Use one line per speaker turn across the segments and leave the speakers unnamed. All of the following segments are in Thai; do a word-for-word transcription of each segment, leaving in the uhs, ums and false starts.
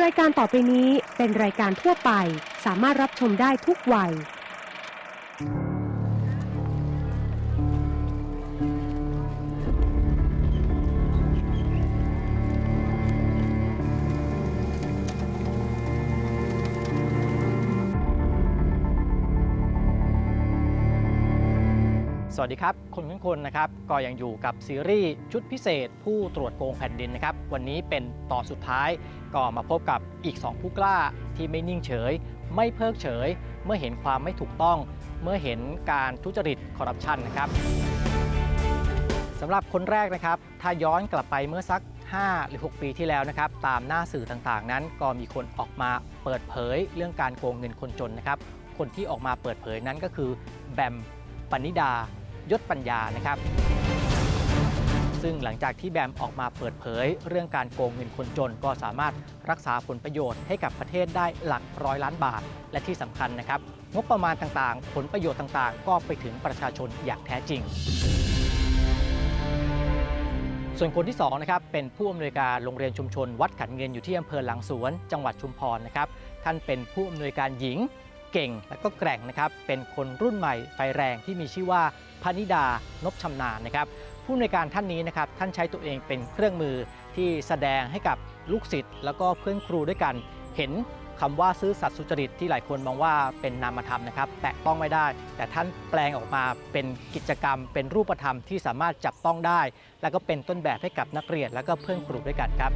รายการต่อไปนี้เป็นรายการทั่วไปสามารถรับชมได้ทุกวัย
สวัสดีครับคนทุกคนนะครับก็ยังอยู่กับซีรีส์ชุดพิเศษผู้ตรวจโกงแผ่นดินนะครับวันนี้เป็นตอนสุดท้ายก็มาพบกับอีกสองผู้กล้าที่ไม่นิ่งเฉยไม่เพิกเฉยเมื่อเห็นความไม่ถูกต้องเมื่อเห็นการทุจริตคอร์รัปชันนะครับสำหรับคนแรกนะครับถ้าย้อนกลับไปเมื่อสักห้าหรือหกปีที่แล้วนะครับตามหน้าสื่อต่างๆนั้นก็มีคนออกมาเปิดเผยเรื่องการโกงเงินคนจนนะครับคนที่ออกมาเปิดเผยนั้นก็คือแบมปณิดายศปัญญานะครับซึ่งหลังจากที่แบมออกมาเปิดเผยเรื่องการโกงเงินคนจนก็สามารถรักษาผลประโยชน์ให้กับประเทศได้หลักร้อยล้านบาทและที่สำคัญนะครับงบประมาณต่างๆผลประโยชน์ต่างๆก็ไปถึงประชาชนอย่างแท้จริงส่วนคนที่สองนะครับเป็นผู้อำนวยการโรงเรียนชุมชนวัดขันเงินอยู่ที่อำเภอหลังสวนจังหวัดชุมพรนะครับท่านเป็นผู้อำนวยการหญิงเก่งและก็แกร่งนะครับเป็นคนรุ่นใหม่ไฟแรงที่มีชื่อว่าพนิดานพชำนาญนะครับผู้อำนวยการท่านนี้นะครับท่านใช้ตัวเองเป็นเครื่องมือที่แสดงให้กับลูกศิษย์แล้วก็เพื่อนครูด้วยกันเห็นคำว่าซื่อสัตย์สุจริตที่หลายคนมองว่าเป็นนามธรรมนะครับแตะต้องไม่ได้แต่ท่านแปลงออกมาเป็นกิจกรรมเป็นรูปธรรมที่สามารถจับต้องได้แล้วก็เป็นต้นแบบให้กับนักเรียนและก็เพื่อนครูด้วยกันครับ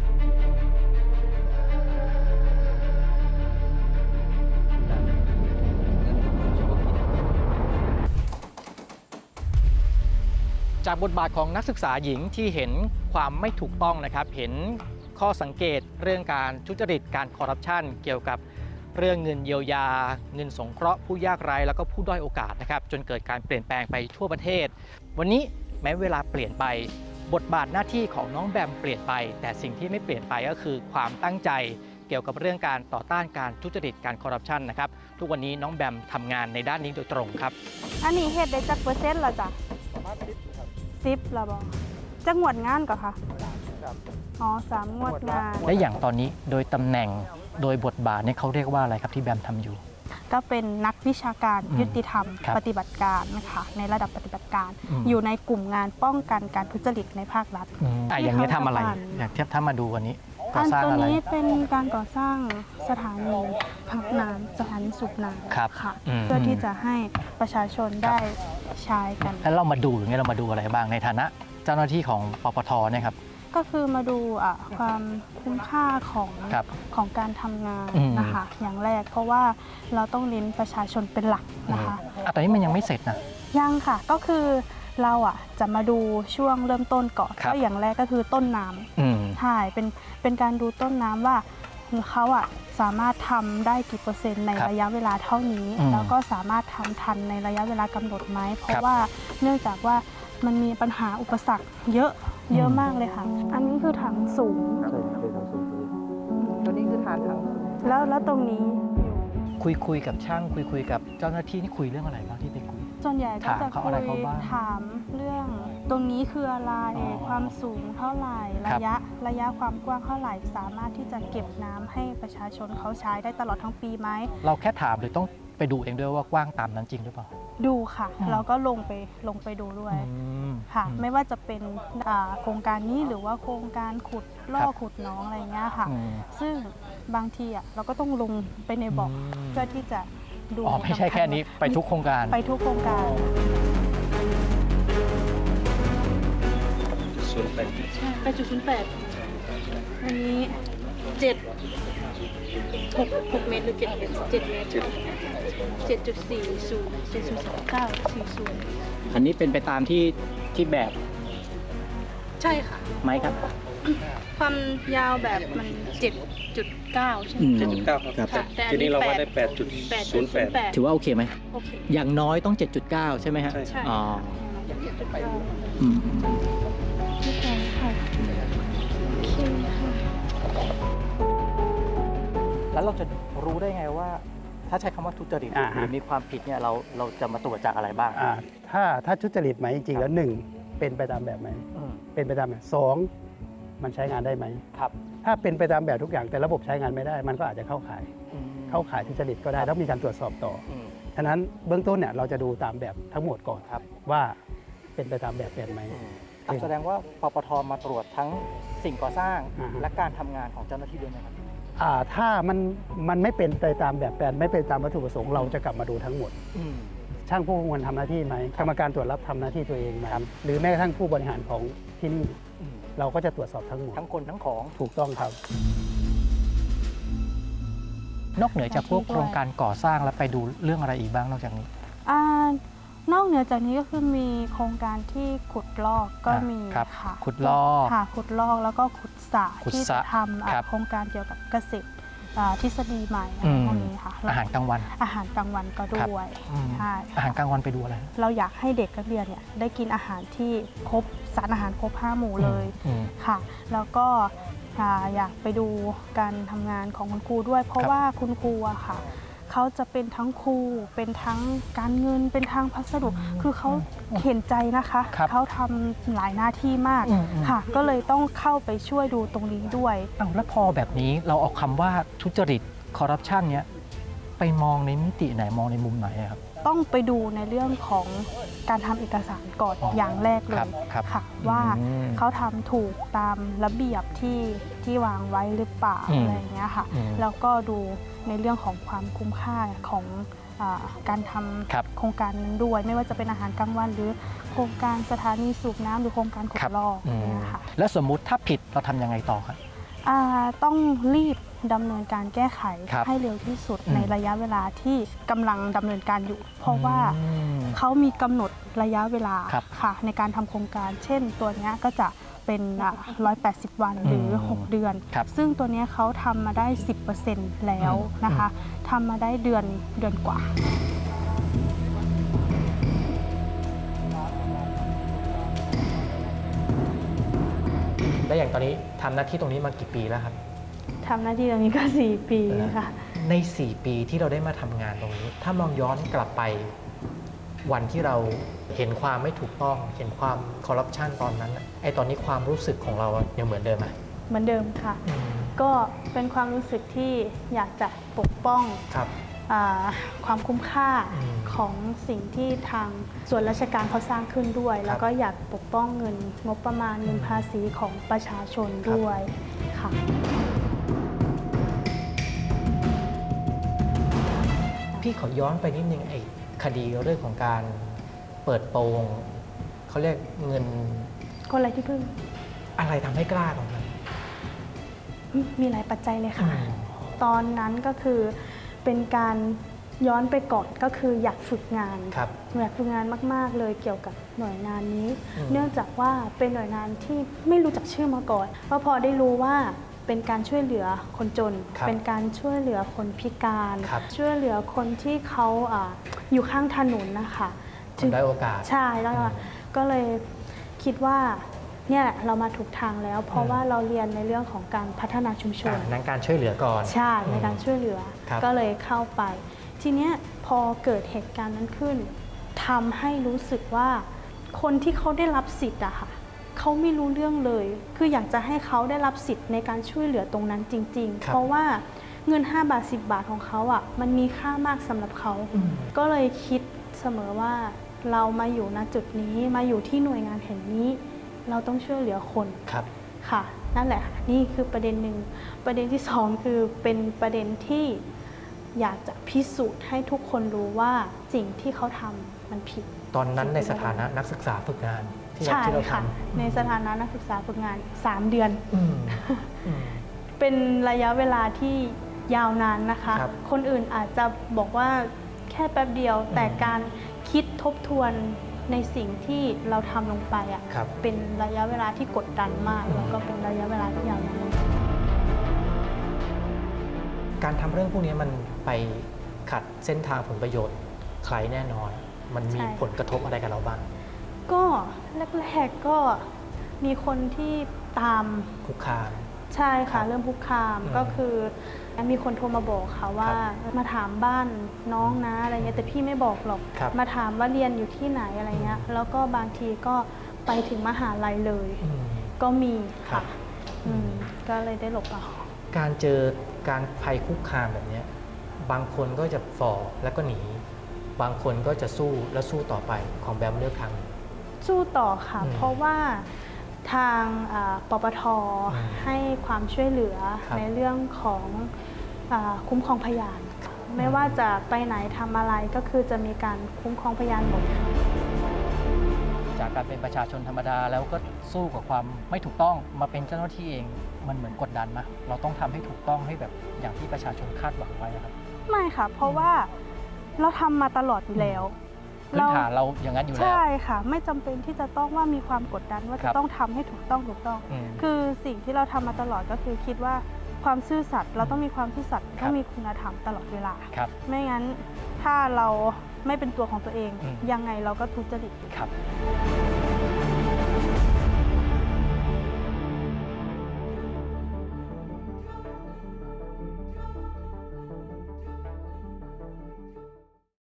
จากบทบาทของนักศึกษาหญิงที่เห็นความไม่ถูกต้องนะครับเห็นข้อสังเกตเรื่องการทุจริตการคอร์รัปชันเกี่ยวกับเรื่องเงินเยียวยาเงินสงเคราะห์ผู้ยากไร้แล้วก็ผู้ด้อยโอกาสนะครับจนเกิดการเปลี่ยนแปลงไปทั่วประเทศวันนี้แม้เวลาเปลี่ยนไปบทบาทหน้าที่ของน้องแบมเปลี่ยนไปแต่สิ่งที่ไม่เปลี่ยนไปก็คือความตั้งใจเกี่ยวกับเรื่องการต่อต้านการทุจริตการคอร์รัปชันนะครับทุกวันนี้น้องแบมทำงานในด้านนี้โดยตรงครับ
อันนี้เฮ็ดได้จักเปอร์เซ็นต์ละจ้ะสิบละบอจักงวดงานก่อนค่ะอ๋อสามงวดงาน
และอย่างตอนนี้โดยตำแหน่งโดยบทบาทเนี่ยเขาเรียกว่าอะไรครับที่แบมทำอยู่
ก็เป็นนักวิชาการยุติธรรมปฏิบัติการนะคะในระดับปฏิบัติการอยู่ในกลุ่มงานป้องกันการทุจริตในภาครัฐ
อ่ะอย่างนี้ทำอะไรอยากเทียบถ้ามาดูวันนี้
ก่อสร้างอะไรตัวนี้เป็นการก่อสร้างสถานีพักน้ำสถานีสูบน้ำค่ะเพื่อที่จะให้ประชาชนได้ใช้กัน
แล้วเรามาดูอย่างนี้เรามาดูอะไรบ้างในฐานะเจ้าหน้าที่ของปปทเนี่ยครับ
ก็คือมาดูความคุ้มค่าของของการทำงานนะคะอย่างแรกเพราะว่าเราต้องเน้นประชาชนเป็นหลักนะคะ
ตอนนี้มันยังไม่เสร็จนะ
ยังค่ะก็คือเราอ่ะจะมาดูช่วงเริ่มต้นก่อนก็อย่างแรกก็คือต้นน้ำใช่เป็นเป็นการดูต้นน้ำว่าเขาอ่ะสามารถทำได้กี่เปอร์เซ็นต์ในระยะเวลาเท่านี้แล้วก็สามารถทำทันในระยะเวลากำหนดไหมเพราะว่าเนื่องจากว่ามันมีปัญหาอุปสรรคเยอะเยอะมากเลยค่ะอันนี้คือถังสูง
ตัวนี้คือฐานถัง
แล้วแล้วตรงนี้
คุยคุยกับช่างคุยคุยกับเจ้าหน้าที่นี่คุยเรื่องอะไรบ้างที่ไปคุย
ส่วนใหญ่ก็จะคุยถามเรื่องตรงนี้คืออะไรความสูงเท่าไหร่ระยะระยะความกว้างเท่าไหร่สามารถที่จะเก็บน้ำให้ประชาชนเขาใช้ได้ตลอดทั้งปีไหม
เราแค่ถามหรือต้องไปดูเองด้วยว่ากว้างตามนั้นจริงหรือเปล่า
ดูค่ะเราก็ลงไปลงไปดูด้วยค่ะไม่ว่าจะเป็นโครงการนี้หรือว่าโครงการขุดล่อขุดน้องอะไรเงี้ยค่ะซึ่งบางทีอ่ะเราก็ต้องลงไปในบ่อเพื่อที่จะดู
อ๋อไม่ใช่แค่นี้ไปทุกโครงการ
ไปทุกโครงการ
ศูนย์แปด
ใช่ไปจุดศูนย์แปดอันนี้เจ็ดหกหกเมตรหรือเจ็ดเมตรเจ็ดเมตรเจ็ดจุดสี่ศูนย์เจ็ดศูนย์สามเก้าสี่ศูนย์
อันนี้เป็นไปตามที่ที่แบบ
ใช่ค่ะ
ไหมครับ
ความยาวแบบมันเจ็ดจุดเก้าใช่ไหม
เจ็ดจุดเก้าครับทีนี้เราวัดได้แปดจุดศูนย์แปด
ถือว่าโอเคไหม
โอเค
อย่างน้อยต้องเจ็ดจุดเก้าใช่ไหมฮะ
ใช่
อ๋อ
อืมค่ะโอเคค่ะ
แล้วเราจะรู้ได้ไงว่าถ้าใช้คำว่าทุจริตหรือมีความผิดเนี่ยเราเราจะมาตรวจจากอะไรบ้าง
ถ้าถ้าทุจริตไหมจริงๆแล้วหนึ่งเป็นไปตามแบบไหมเป็นไปตามแบบสองมันใช้งานได้ไหม
ครับ
ถ้าเป็นไปตามแบบทุกอย่างแต่ระบบใช้งานไม่ได้ มันก็อาจจะเข้าข่าย
อืม
เข้าข่ายทุจริตก็ได้
ครับ
แล้วมีการตรวจสอบต่อ
อืม
ฉะนั้นเบื้องต้นเนี่ยเราจะดูตามแบบทั้งหมดก่อน
ครับ
ว่าเป็นไปตามแบบแบบไหม
อืมครับแสดงว่าปปทมาตรวจทั้งสิ่งก่อสร้าง
อ่าฮะ
และการทำงานของเจ้าหน้าที่ด้วยไหมครับ
อ่าถ้ามันมันไม่เป็นไปตามแบบแปลนไม่เป็นตามวัตถุประสงค์เราจะกลับมาดูทั้งหมด
อืม
ช่างผู้ควรทำหน้าที่ไหมกรรมการตรวจรับทำหน้าที่ตัวเองไหมหรือแม้กระทั่งผู้บริหารของที่นี่
อืม
เราก็จะตรวจสอบทั้งหมด
ทั้งคนทั้งของ
ถูกต้องครับ
นอกเหนือจากพวกโครงการก่อสร้างแล้วไปดูเรื่องอะไรอีกบ้างนอกจากนี้
อ่านอกเหนือจากนี้ก็คือมีโครงการที่ขุดลอกก็มี
ครับ
ค่ะ
ขุดลอก
ค่ะขุดลอกแล้วก็ขุดสระ
ขุด
ที่
สระ
จะทำอ่ะ
ครับ
โครงการเกี่ยวกับเกษตรอ่าทฤษฎีใหม่อะ
อื
ไร
ม
พวกนี้ค่ะแล้ว
อาหารกลางวัน
อาหารกลางวันก็ด้วย
อืม
ใช่
อาหารกลางวันไปดูอะไร
เราอยากให้เด็กนักเรียนเนี่ยได้กินอาหารที่ครบสารอาหารครบห้าหมู่เลย
อืม
ค่ะ แล้วก็อ่าอยากไปดูการทำงานของคุณครูด้วย เพราะ
ครับ
ว่าคุณครูอะค่ะเขาจะเป็นทั้งครูเป็นทั้งการเงินเป็นทางพัสดุคือเขาเห็นใจนะคะ
ครับ
เขาทำหลายหน้าที่มาก
อืมอืม
ค่ะ ก็เลยต้องเข้าไปช่วยดูตรงนี้ด้วย
อ้าวแล้วพอแบบนี้เราเอาคำว่าทุจริตคอร์รัปชันเนี้ยไปมองในมิติไหนมองในมุมไหนอะครับ
ต้องไปดูในเรื่องของการทำเอกสารก่อน
อ๋อ
ออย่างแรกเล
ครับ
ย
ครับ
ค่ะ ว่า
อืม
เขาทำถูกตามระเบียบที่ที่วางไว้หรือเปล่า
อืม
อะไรอย่างเงี้ยค่ะ
อืม
แล้วก็ดูในเรื่องของความคุ้มค่าของอาการท
ครับ
ำโครงการนั้นด้วย ไม่ว่าจะเป็นอาหารกลางวัน หรือโครงการสถานีสูบน้ำหรือโครงการขุ
ครั
ด
บ
ลอก
อืม
เนี่ยค่ะ
แล้วสมมุติถ้าผิดเราทำยังไงต่อครับ
อ่าต้องรีบดำเนินการแก้ไข
ครับ
ให้เร็วที่สุด
อืม
ในระยะเวลาที่กำลังดำเนินการอยู่ เพราะว่า
อืม
เขามีกำหนดระยะเวลา
ครับ
ค่ะในการทำโครงการ เช่น ตัวเนี้ยก็จะเป็นอ่ะหนึ่งร้อยแปดสิบ วันหรือ
อืม
หก เดือน
ครับ
ซึ่งตัวเนี้ยเขาทำมาได้ สิบเปอร์เซ็นต์ แล้วนะคะทำมาได้เดือนเดือนกว่า
แล้วอย่างตอนนี้ทำหน้าที่ตรงนี้มากี่ปีแล้วครับ
ทำหน้าที่ตรงนี้ก็ สี่ ปีค่ะ
ใน สี่ ปีที่เราได้มาทำงานตรงนี้ ถ้ามองย้อนกลับไปวันที่เราเห็นความไม่ถูกต้อง เห็นความคอร์รัปชันตอนนั้นน่ะไอ้ตอนนี้ความรู้สึกของเรายังเหมือนเดิมไหม
เหมือนเดิมค่ะ ก็เป็นความรู้สึกที่อยากจะปกป้อง
ครับ
อ่าความคุ้มค่า
อืม
ของสิ่งที่ทางส่วนราชการเขาสร้างขึ้นด้วย แล้วก็อยากปกป้องเงินงบประมาณเงินภาษีของประชาชนด้วยค่ะ
พี่ขอย้อนไปนิดนึงไอ้คดีเรื่องของการเปิดโปงเขาเรียกเงิน
คนไรที่พึ่ง
อะไรทำให้กล้าตรงนั้น
มีหลายปัจจัยเลยค่ะ
อืม
ตอนนั้นก็คือเป็นการย้อนไปก่อนก็คืออยากฝึกงาน
ครับ
อยากฝึกงานมาก ๆ เลยเกี่ยวกับหน่วยงานนี้
อืม
เนื่องจากว่าเป็นหน่วยงานที่ไม่รู้จักชื่อมาก่อนก็พอได้รู้ว่าเป็นการช่วยเหลือคนจน
ครับ
เป็นการช่วยเหลือคนพิการ
ครับ
ช่วยเหลือคนที่เขาอ่าอยู่ข้างถนนนะคะ
คนได้โอกาส
ใช่แล้วก็
อืม
ก็เลยคิดว่าเนี่ยเรามาถูกทางแล้ว เพราะ
อืม
ว่าเราเรียนในเรื่องของการพัฒนาชุมชน
อ่านั้นการช่วยเหลือก่อน
ใช่ใน
อืม
การช่วยเหลือ
ครับ
ก็เลยเข้าไป ทีเนี้ยพอเกิดเหตุการณ์นั้นขึ้นทำให้รู้สึกว่าคนที่เขาได้รับสิทธิ์อะค่ะเขาไม่รู้เรื่องเลย คืออยากจะให้เขาได้รับสิทธิ์ในการช่วยเหลือตรงนั้นจริง ๆ
ครับ
เพราะว่าเงินห้าบาทสิบบาทของเขาอะมันมีค่ามากสำหรับเขา
อืม
ก็เลยคิดเสมอว่าเรามาอยู่ณจุดนี้มาอยู่ที่หน่วยงานแห่งนี้ เราต้องช่วยเหลือคน
ครับ
ค่ะนั่นแหละค่ะนี่คือประเด็นหนึ่งประเด็นที่สองคือเป็นประเด็นที่อยากจะพิสูจน์ให้ทุกคนรู้ว่าสิ่งที่เขาทำมันผิด
ตอนนั้นในสถานะนักศึกษาฝึกงานที่เรา
ใช่
ที่เราท
ค่ะในสถานะนักศึกษาฝึกงาน สาม เดือน
ำอืมอืม
เป็นระยะเวลาที่ยาวนานนะคะ
ครับ
คนอื่นอาจจะบอกว่าแค่แป๊บเดียว
อืม
แต่การคิดทบทวนในสิ่งที่เราทำลงไปอ่ะ
ครับ
เป็นระยะเวลาที่กดดันมาก
อืม
แล้วก็เป็นระยะเวลาที่ยาวนาน
การทำเรื่องพวกนี้มันไปขัดเส้นทางผลประโยชน์ใครแน่นอน มันมี
ใช่
ผลกระทบอะไรกับเราบ้าง
ก็แรกๆก็มีคนที่ตาม
คุกคาม
ใช่ค่ะ
ครับ
เริ่มคุกคาม
อืม
ก็คือมีคนโทรมาบอกค่ะว่ามาถามบ้านน้องนะอะไรเงี้ยแต่พี่ไม่บอกหรอก
ครับ
มาถามว่าเรียนอยู่ที่ไหนอะไรเงี้ยแล้วก็บางทีก็ไปถึงมหาลัยเลย
อืม
ก็มี
ครั
ค่ะ
บ
อืมก็เลยได้หลบเอา
การเจอการภัยคุกคามแบบเนี้ยบางคนก็จะฝ่อแล้วก็หนี บางคนก็จะสู้แล้วสู้ต่อไปของแบมเลือกทาง
สู้ต่อค่ะ
อืม
เพราะว่าทางอ่าปปท
อืม
ให้ความช่วยเหลือ
ครับ
ในเรื่องของอาคุ้มครองพยาน ไม่ว่าจะไปไหนทำอะไรก็คือจะมีการคุ้มครองพยานหมด
จากการเป็นประชาชนธรรมดาแล้วก็สู้กับความไม่ถูกต้องมาเป็นเจ้าหน้าที่เองมันเหมือนกดดันไหมเราต้องทำให้ถูกต้องให้แบบอย่างที่ประชาชนคาดหวังไว้นะครับ
ไม่ค่ะ เพราะว่าเราทำมาตลอดอยู่แล้ว
พื้นฐานเราอย่างนั้นอยู่แล้ว
ใช่ค่ะ ไม่จำเป็นที่จะต้องว่ามีความกดดันว่า
ครั
จะ
บ
ต้องทำให้ถูกต้องถูกต้อง
อืม
คือสิ่งที่เราทำมาตลอดก็คือคิดว่าความซื่อสัตย์เราต้องมีความซื่อสัตย์
ครั
ต้อบ งมีคุณธรรมตลอดเวลา
ครับ
ไม่งั้นถ้าเราไม่เป็นตัวของตัวเอง
อืม
ยังไงเราก็ทุจริต
ครับ